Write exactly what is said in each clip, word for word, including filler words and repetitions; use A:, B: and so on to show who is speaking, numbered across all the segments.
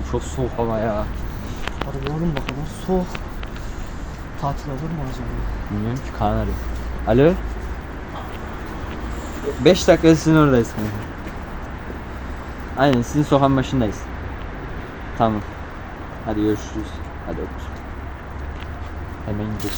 A: Çok soğuk ama ya.
B: Hadi oğlum bakalım soğuk. Tatil olur mu acaba?
A: Bilmiyorum ki, Kaan arıyor. Alo. beş dakika sizin oradayız kanka. Aynen, sizin sokağın başındayız. Tamam. Hadi görüşürüz. Hadi öpürüz. Hemen gidelim.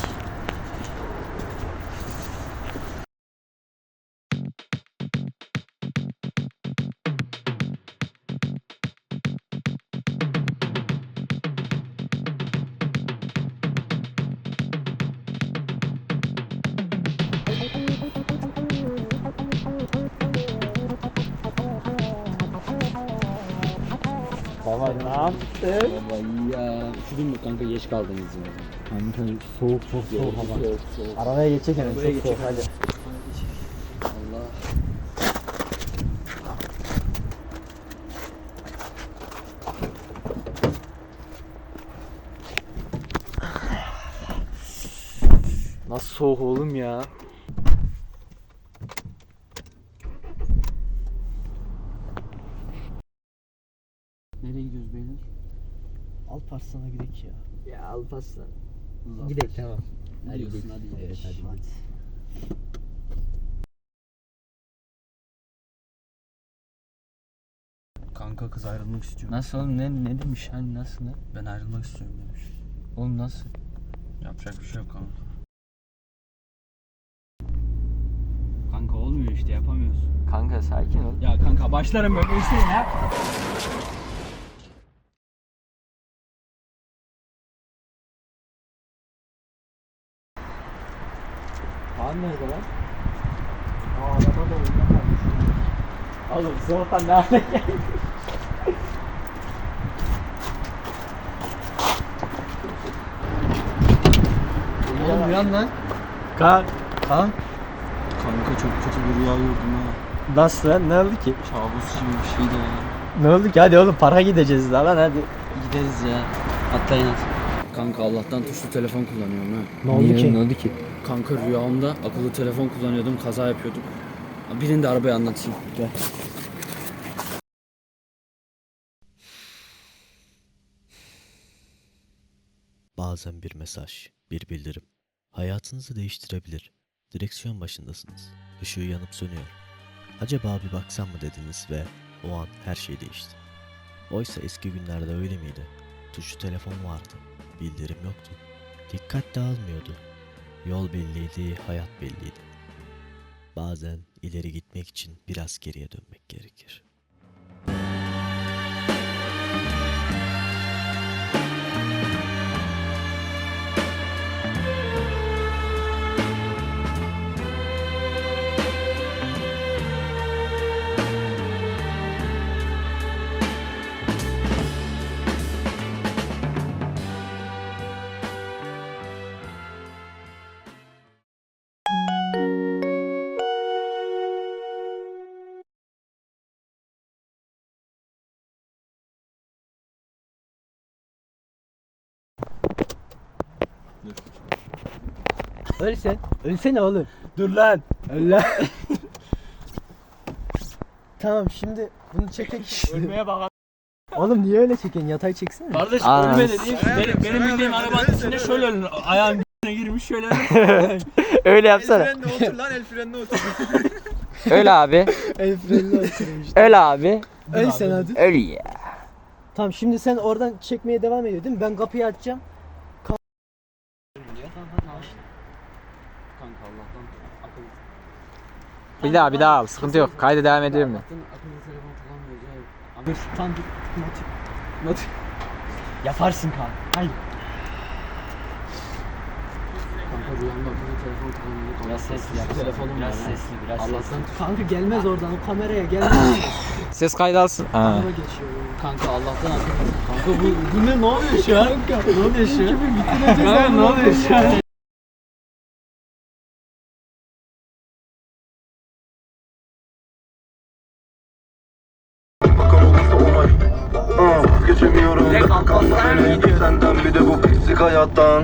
A: Baba ne yaptın?
C: Baba iyi ya. Üşüdün mü kanka, geç kaldınız ya.
A: Kanka soğuk, çok soğuk hava.
C: Soğuk soğuk.
B: Arabaya geçecek hemen
C: Buraya
B: çok soğuk
C: geçecek.
B: hadi.
C: Allah.
A: Nasıl soğuk oğlum ya?
C: Nereye gidiyoruz beyler?
B: Alparslan'a gidelim ya.
A: Ya Alparslan.
B: Gidelim tamam.
C: Hadi gidiyorsun, hadi gidelim.
A: Evet hadi.
B: Hadi.
C: Kanka kız ayrılmak istiyor.
A: Nasıl oğlum, ne ne demiş hani, nasıl ne?
C: Ben ayrılmak istiyorum demiş.
A: Oğlum nasıl?
C: Yapacak bir şey yok kanka. Kanka olmuyor işte, yapamıyoruz.
A: Kanka sakin ol.
C: Ya kanka başlarım böyle işte ya.
A: Kaan nerede lan?
B: Aa araba da oyunda kalmış.
A: Oğlum soğuktan ne hale geldi?
B: Oğlum uyan lan.
A: Kaan. Kaan.
C: Kanka çok kötü bir rüya gördüm ha.
A: Nasıl lan, ne oldu ki?
C: Kabus gibi bir şeydi ya.
A: Ne oldu ki, hadi oğlum para gideceğiz daha lan hadi.
C: Gideriz ya. Atlayın at. Kanka Allah'tan tuşlu telefon kullanıyorum ha.
B: Ne oldu ki?
A: Ne oldu ki?
C: Kanka rüyamda akıllı telefon kullanıyordum, kaza yapıyordum. Birinde arabayı anlatayım. Gel.
D: Bazen bir mesaj, bir bildirim hayatınızı değiştirebilir. Direksiyon başındasınız. Işığı yanıp sönüyor. Acaba bir baksam mı dediniz ve o an her şey değişti. Oysa eski günlerde öyle miydi? Tuşlu telefon vardı. Bildirim yoktu. Dikkat dağılmıyordu. Yol belliydi, hayat belliydi. Bazen ileri gitmek için biraz geriye dönmek gerekir.
B: Öl sen. Ölsene oğlum.
A: Dur lan.
B: Öl lan. Tamam şimdi bunu çekek.
A: Ölmeye bak.
B: Oğlum niye öyle çekiyorsun? Yatay çeksene.
C: Kardeş
A: Aa,
C: ölme dediğim benim, benim bildiğim arabanın içinde şöyle ölür. Ayağın b***ne girmiş şöyle ölür.
A: Öyle yapsana.
E: El frenine otur lan, el frenine otur.
A: Öyle abi.
B: El frenini açtırmış.
A: Öyle abi.
B: Öl sen hadi.
A: Öyle ya.
B: Tamam şimdi sen oradan çekmeye devam ediyor değil mi? Ben kapıyı açacağım. Ka-
C: Kanka Allah'tan akıllı.
A: Bir daha bir daha al, sıkıntı yok. Kayda devam ediyorum ben.
C: Allah'tan akıllı telefon kullanmıyoruz ya.
B: Dur tamam dur. Not. Not. Yaparsın kan. Haydi.
C: Kanka rüyamda akıllı telefon kullanıyordum.
A: Biraz sesli yap.
C: Telefonum
A: Biraz
C: var ha.
A: sesli, biraz
C: Allah'tan
A: sesli.
B: Kanka gelmez oradan o kameraya gelmez.
A: Ses kaydı alsın. Ha.
B: Araba geçiyor.
C: kanka Allah'tan akıllı. Kanka bu, bu ne ne oluyor şu an?
B: Kanka
C: Ne oluyor şu an?
A: Kanka ne oluyor şu an?
F: Bakan olursa onay. Ah, Geçemiyorum. Senden bir de bu pislik hayattan.